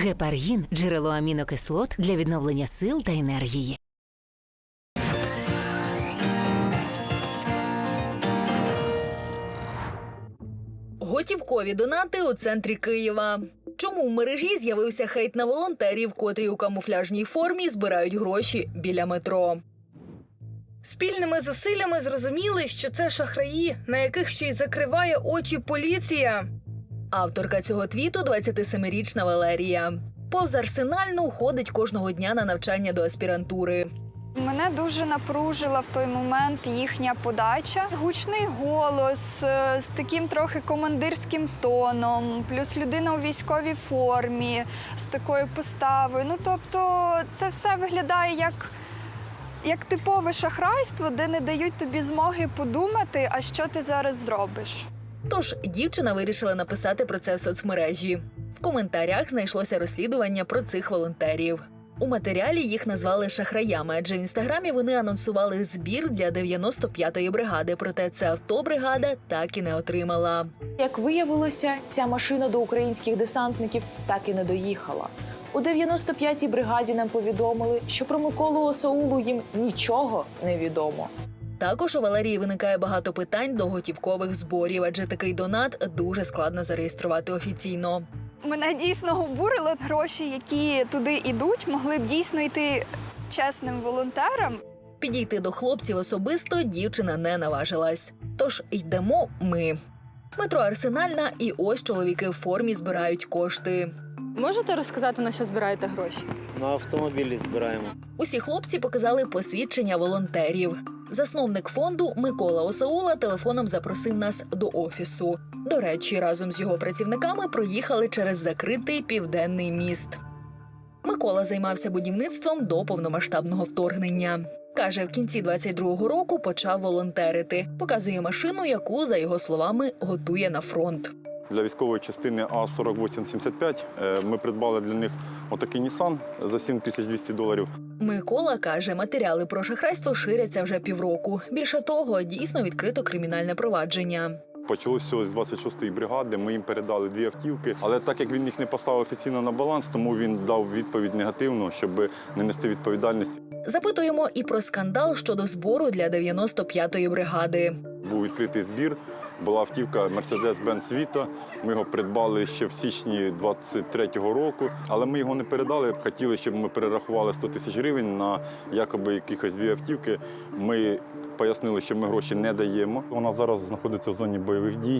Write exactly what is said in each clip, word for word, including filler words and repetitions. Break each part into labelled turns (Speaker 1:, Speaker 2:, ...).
Speaker 1: Гепаргін – джерело амінокислот для відновлення сил та енергії.
Speaker 2: Готівкові донати у центрі Києва. Чому в мережі з'явився хейт на волонтерів, котрі у камуфляжній формі збирають гроші біля метро?
Speaker 3: Спільними зусиллями зрозуміли, що це шахраї, на яких ще й закриває очі поліція.
Speaker 2: Авторка цього твіту – двадцятисемирічна Валерія. Повз Арсенальну ходить кожного дня на навчання до аспірантури.
Speaker 4: Мене дуже напружила в той момент їхня подача. Гучний голос з таким трохи командирським тоном, плюс людина у військовій формі з такою поставою. Ну, тобто це все виглядає як, як типове шахрайство, де не дають тобі змоги подумати, а що ти зараз зробиш.
Speaker 2: Тож дівчина вирішила написати про це в соцмережі. В коментарях знайшлося розслідування про цих волонтерів. У матеріалі їх назвали шахраями, адже в інстаграмі вони анонсували збір для дев'яносто п'ятої бригади, проте це авто бригада так і не отримала.
Speaker 5: Як виявилося, ця машина до українських десантників так і не доїхала. У дев'яносто п'ятій бригаді нам повідомили, що про Миколу Осаулу їм нічого не відомо.
Speaker 2: Також у Валерії виникає багато питань до готівкових зборів, адже такий донат дуже складно зареєструвати офіційно.
Speaker 4: Мене дійсно обурило. Гроші, які туди йдуть, могли б дійсно йти чесним волонтерам.
Speaker 2: Підійти до хлопців особисто дівчина не наважилась. Тож йдемо ми. Метро Арсенальна, і ось чоловіки в формі збирають кошти.
Speaker 3: Можете розказати, на що збираєте гроші?
Speaker 6: На автомобілі збираємо.
Speaker 2: Усі хлопці показали посвідчення волонтерів. Засновник фонду Микола Осаула телефоном запросив нас до офісу. До речі, разом з його працівниками проїхали через закритий Південний міст. Микола займався будівництвом до повномасштабного вторгнення. Каже, в кінці двадцять другого року почав волонтерити. Показує машину, яку, за його словами, готує на фронт.
Speaker 7: Для військової частини А сорок вісім сімдесят п'ять ми придбали для них отакий Nissan за сім тисяч двісті доларів.
Speaker 2: Микола каже, матеріали про шахрайство ширяться вже півроку. Більше того, дійсно відкрито кримінальне провадження.
Speaker 7: Почалося з двадцять шостої бригади, ми їм передали дві автівки. Але так як він їх не поставив офіційно на баланс, тому він дав відповідь негативну, щоб не нести відповідальність.
Speaker 2: Запитуємо і про скандал щодо збору для дев'яносто п'ятої бригади.
Speaker 7: Був відкритий збір, була автівка Mercedes-Benz Vito. Ми його придбали ще в січні двадцять третього року, але ми його не передали. Хотіли, щоб ми перерахували сто тисяч гривень на якоби якихось дві автівки. Ми пояснили, що ми гроші не даємо. Вона зараз знаходиться в зоні бойових дій.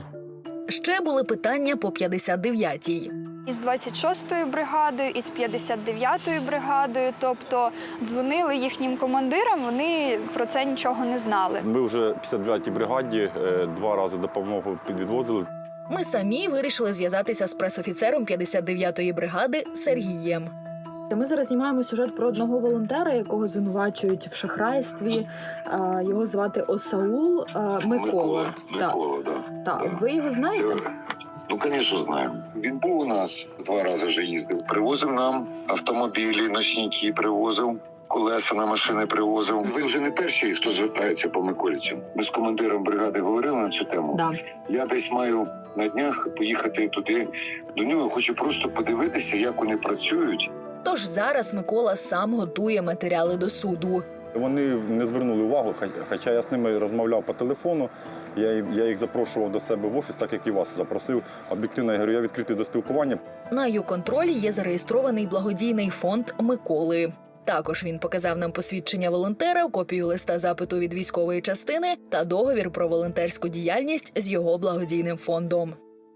Speaker 2: Ще були питання по п'ятдесят дев'ятій.
Speaker 4: Із двадцять шостою бригадою, із п'ятдесят дев'ятою бригадою, тобто дзвонили їхнім командирам, вони про це нічого не знали.
Speaker 7: Ми вже в п'ятдесят дев'ятій бригаді два рази допомогу підвозили.
Speaker 2: Ми самі вирішили зв'язатися з пресофіцером п'ятдесят дев'ятої бригади Сергієм.
Speaker 8: Ми зараз знімаємо сюжет про одного волонтера, якого звинувачують в шахрайстві. Його звати Осаул Микола.
Speaker 9: Микола, Микола, да.
Speaker 8: Так.
Speaker 9: Да.
Speaker 8: Ви його знаєте?
Speaker 9: Це... Ну, звісно, знаємо. Він був у нас, два рази вже їздив. Привозив нам автомобілі, ночники привозив, колеса на машини привозив. Ви вже не перший, хто звертається по Миколічам. Ми з командиром бригади говорили на цю тему.
Speaker 8: Да.
Speaker 9: Я десь маю на днях поїхати туди до нього. Хочу просто подивитися, як вони працюють.
Speaker 2: Тож зараз Микола сам готує матеріали до суду.
Speaker 7: Вони не звернули увагу, хоча я з ними розмовляв по телефону. Я, я їх запрошував до себе в офіс, так як і вас запросив. Об'єктивно, я говорю, я відкритий до спілкування.
Speaker 2: На ю-контролі є зареєстрований благодійний фонд Миколи. Також він показав нам посвідчення волонтера, копію листа запиту від військової частини та договір про волонтерську діяльність з його благодійним фондом.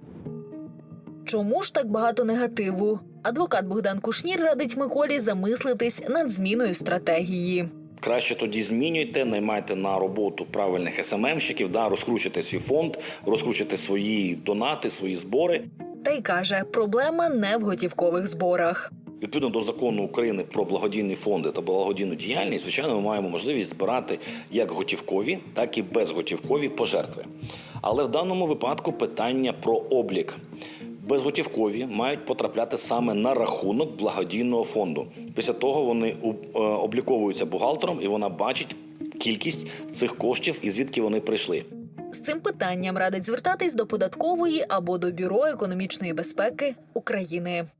Speaker 2: Чому ж так багато негативу? Адвокат Богдан Кушнір радить Миколі замислитись над зміною стратегії.
Speaker 10: Краще тоді змінюйте, наймайте на роботу правильних ес ем емщиків, да, розкручуйте свій фонд, розкручуйте свої донати, свої збори.
Speaker 2: Та й каже, проблема не в готівкових зборах.
Speaker 10: Відповідно до закону України про благодійні фонди та благодійну діяльність, звичайно, ми маємо можливість збирати як готівкові, так і безготівкові пожертви. Але в даному випадку питання про облік. Безготівкові мають потрапляти саме на рахунок благодійного фонду. Після того вони обліковуються бухгалтером, і вона бачить кількість цих коштів і звідки вони прийшли.
Speaker 2: З цим питанням радить звертатись до податкової або до Бюро економічної безпеки України.